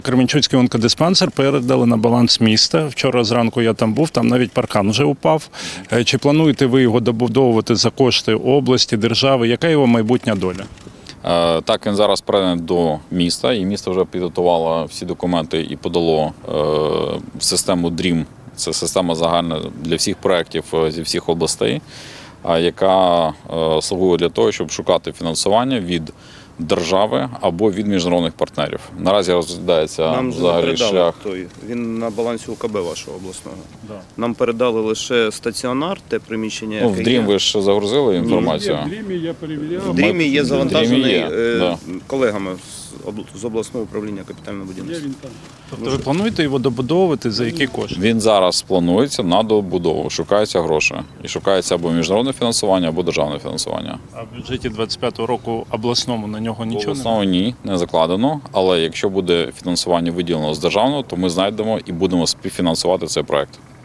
Кременчуцький онкодиспансер передали на баланс міста. Вчора зранку я там був, там навіть паркан вже упав. Чи плануєте ви його добудовувати за кошти області, держави? Яка його майбутня доля? Так, він зараз переданий до міста, і місто вже підготувало всі документи і подало в систему DREAM. Це система загальна для всіх проєктів зі всіх областей, яка слугує для того, щоб шукати фінансування від держави або від міжнародних партнерів. Наразі розглядається Нам взагалі шлях. Він на балансі УКБ вашого обласного. Да. Нам передали лише стаціонар, те приміщення, яке В DREAM ви ж загрузили інформацію? В Дрімі я перевіряв. В DREAM є завантажений да. колегами з обласного управління капітального будівництва. Він там. Тобто ви плануєте його добудовувати за які кошти? Він зараз планується на добудову, шукаються гроші. І шукається або міжнародне фінансування, або державне фінансування. А в бюджеті 25-го року обласному на нього нічого немає? Основно ні, не закладено, але якщо буде фінансування виділено з державного, то ми знайдемо і будемо співфінансувати цей проект.